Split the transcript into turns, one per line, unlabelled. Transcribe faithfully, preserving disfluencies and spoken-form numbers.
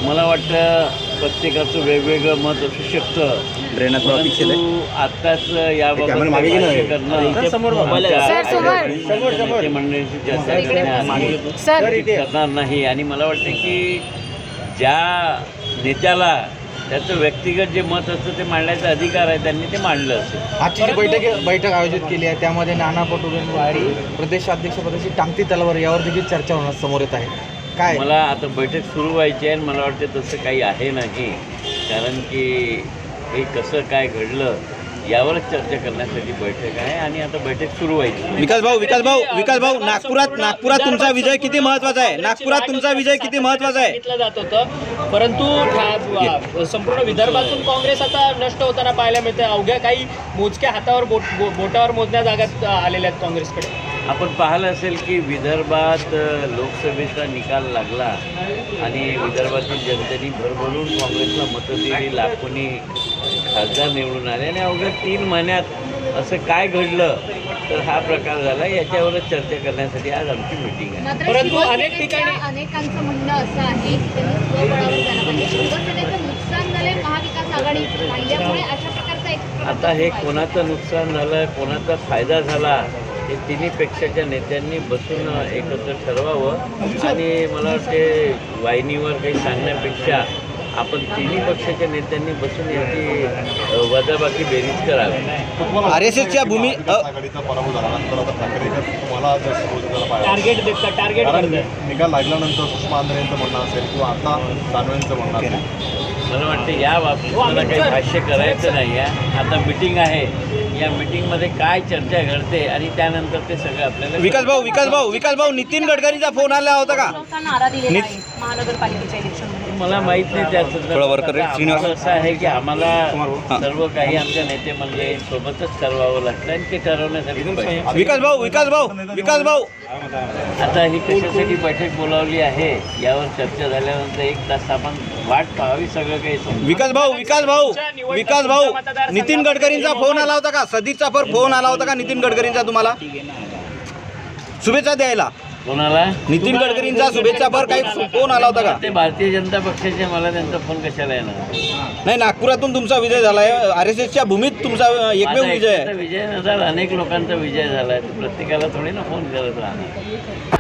मला वाटतं प्रत्येकाचं वेगवेगळं मत असू शकतं. परंतु आत्ताच याबाबत भाष्य करणं, नेते मंडळींची चर्चा करण्याआधी करणार नाही. आणि मला वाटतं की ज्या नेत्याला त्याचं व्यक्तिगत जे मत असतं ते मांडण्याचा अधिकार आहे, त्यांनी ते मांडलं असेल.
आजची जी बैठक बैठक आयोजित केली आहे त्यामध्ये नाना पटोलेंवरती प्रदेशाध्यक्षपदाची टांगती तलवार यावर देखील चर्चा होणार समोर येत आहे. काय
मला आता बैठक सुरू व्हायची आहे आणि मला वाटतं तसं काही आहे नाही. कारण की हे कसं काय घडलं यावरच चर्चा करण्यासाठी बैठक आहे आणि आता बैठक सुरू व्हायची.
विकास भाऊ विकास भाऊ विकास भाऊ नागपुरात नागपुरात तुमचा विजय किती महत्त्वाचा आहे? नागपुरात तुमचा विजय किती महत्त्वाचा आहे
सांगितलं जात होतं, परंतु संपूर्ण विदर्भातून काँग्रेस आता नष्ट होताना पाहायला मिळते. अवघ्या काही मोजक्या हातावर बोट बो, बोटावर मोजण्या जागात आलेल्या आहेत काँग्रेसकडे.
आपण पाहिलं असेल की विदर्भात लोकसभेचा निकाल लागला आणि विदर्भातील जनतेने भरभरून काँग्रेसला मतं दिली, लाखोनी खासदार निवडून आले आणि अवघ्या तीन महिन्यात असं काय घडलं तर हा प्रकार झाला. याच्यावरच चर्चा करण्यासाठी आज आमची मीटिंग आहे.
परंतु अनेक ठिकाणी
अनेकांचं म्हणणं असं आहे की त्यांनी स्वबळावर जाणं पाहिजे. शिवसेनेचं नुकसान झालंय महाविकास आघाडी राहिल्यामुळे अशा प्रकारचा एक
आता हे कोणाचं नुकसान झालं, कोणाचा फायदा झाला हे तिन्ही पक्षाच्या नेत्यांनी बसून एकत्र ठरवावं. आणि मला वाटते वाहिनीवर काही सांगण्यापेक्षा आपण तिन्ही पक्षाच्या नेत्यांनी बसून याची वजाबाकी बेरीज करावी.
आर एस एसच्या भूमी अ,
आघाडीचा पराभव झाल्यानंतर आता ठाकरेच्या तुम्हाला जास्त रोजगार पाहिजे.
टार्गेट देतात टार्गेट
कारण
करतात.
निकाल लागल्यानंतर सुषमा आंध्रे यांचं म्हणणं असेल किंवा आता दानवेंचं म्हणणं असेल.
मला वाटतं या बाबतीत मला काही भाष्य करायचं नाही आहे. आता मिटिंग आहे, या मिटिंगमध्ये काय चर्चा घडते आणि त्यानंतर ते सगळं आपल्याला
विकास भाऊ विकास भाऊ विकास भाऊ नितीन गडकरींचा फोन आला होता का?
नारा दिलेला
नित-
आहे महानगरपालिकेच्या इलेक्शनमध्ये.
मला माहित नाही त्या
थोडं वर कर रे, श्रीनिवास.
संदर्भात. असं आहे की आम्हाला
हां.
सर्व काही आमच्या नेते मंडळींसोबतच ठरवावं लागतं आणि ते ठरवण्यासाठी बैठक.
विकास भाऊ विकास भाऊ विकास भाऊ
आता ही कशासाठी बैठक बोलावली आहे यावर चर्चा झाल्यानंतर एक तास आपण वाट पाहावी, सगळं काही समजून.
विकास भाऊ विकास भाऊ विकास भाऊ नितीन गडकरींचा फोन आला होता का? सदीचा पर फोन आला होता का नितीन गडकरींचा तुम्हाला शुभेच्छा द्यायला?
कोणाला?
नितीन गडकरींचा शुभेच्छा पर काही फोन आला होता का?
ते भारतीय जनता पक्षाचे, मला त्यांचा फोन कशाला येणार?
नाही, नागपुरातून तुमचा विजय झालाय. आर एस एसच्या भूमीत तुमचा एकमेव
माझा
विजय
एकट्याचा
आहे.
विजय न झाला, अनेक लोकांचा विजय झाला. प्रत्येकाला थोडी ना फोन करत राहणार.